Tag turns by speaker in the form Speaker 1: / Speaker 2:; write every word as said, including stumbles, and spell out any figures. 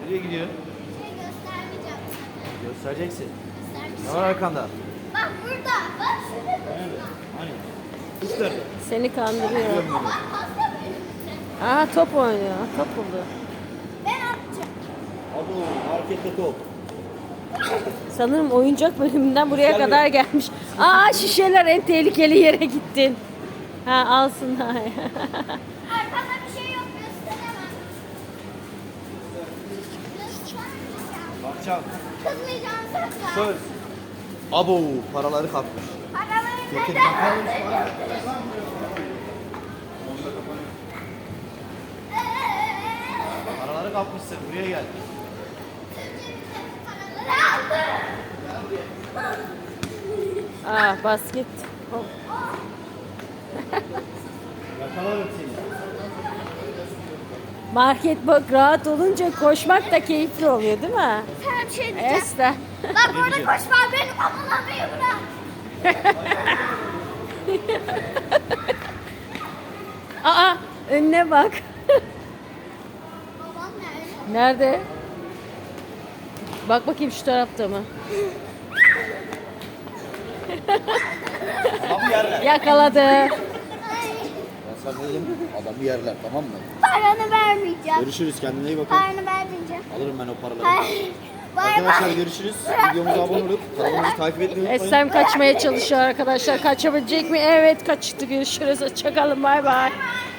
Speaker 1: Nereye gidiyor?
Speaker 2: Şey göstermeyeceğim sana.
Speaker 1: Göstereceksin.
Speaker 2: Göstermeyeceğim.
Speaker 1: Ne var arkanda?
Speaker 2: Bak burada. Bak şurada.
Speaker 1: Nerede? Hani? Kuş nerede?
Speaker 3: Seni kandırıyor.
Speaker 2: Bak hasta böyle.
Speaker 3: Aha top oynuyor. Top buldu.
Speaker 2: Ben atacağım.
Speaker 1: Abo, markette top.
Speaker 3: Sanırım oyuncak bölümünden buraya kadar gelmiş. Aa şişeler, en tehlikeli yere gittin. Ha alsınlar.
Speaker 2: Arkada bir şey yok gösteremem. Göstermeyeceğim.
Speaker 1: Bakacağım.
Speaker 2: Kızmayacağım söz ver.
Speaker 1: Söz. Abo, paraları kapmış.
Speaker 2: Paraları
Speaker 1: Getir
Speaker 2: neden
Speaker 1: bakalım.
Speaker 2: aldın?
Speaker 1: Paraları kapmışsın. Buraya gel.
Speaker 2: Paraları aldın.
Speaker 3: Aa basket. Hop.
Speaker 1: Yakalarım seni.
Speaker 3: Market bak rahat olunca koşmak da keyifli oluyor değil mi?
Speaker 2: Sana bir şey diyeceğim.
Speaker 3: Esra.
Speaker 2: Bak orada koşma beni kovalamayı bırak.
Speaker 3: Aa önüne bak.
Speaker 2: Babam nerede?
Speaker 3: Nerede? Bak bakayım şu tarafta mı?
Speaker 1: Adamı yerler.
Speaker 3: Yakaladı.
Speaker 2: Ay,
Speaker 1: Ben sana dedim, adamı yerler, tamam mı?
Speaker 2: paranı vermeyeceğim.
Speaker 1: Görüşürüz, kendine iyi bakın.
Speaker 2: Paranı vermeyeceğim.
Speaker 1: Alırım ben o paraları.
Speaker 2: Hayır. Bay
Speaker 1: Arkadaşlar
Speaker 2: bay.
Speaker 1: görüşürüz. Videomuza abone olup kanalımızı takip etmeyi unutmayın.
Speaker 3: Eslem kaçmaya çalışıyor arkadaşlar. Kaçabilecek mi? Evet kaçtı. Görüşürüz. Hoşçakalın. Bay bay.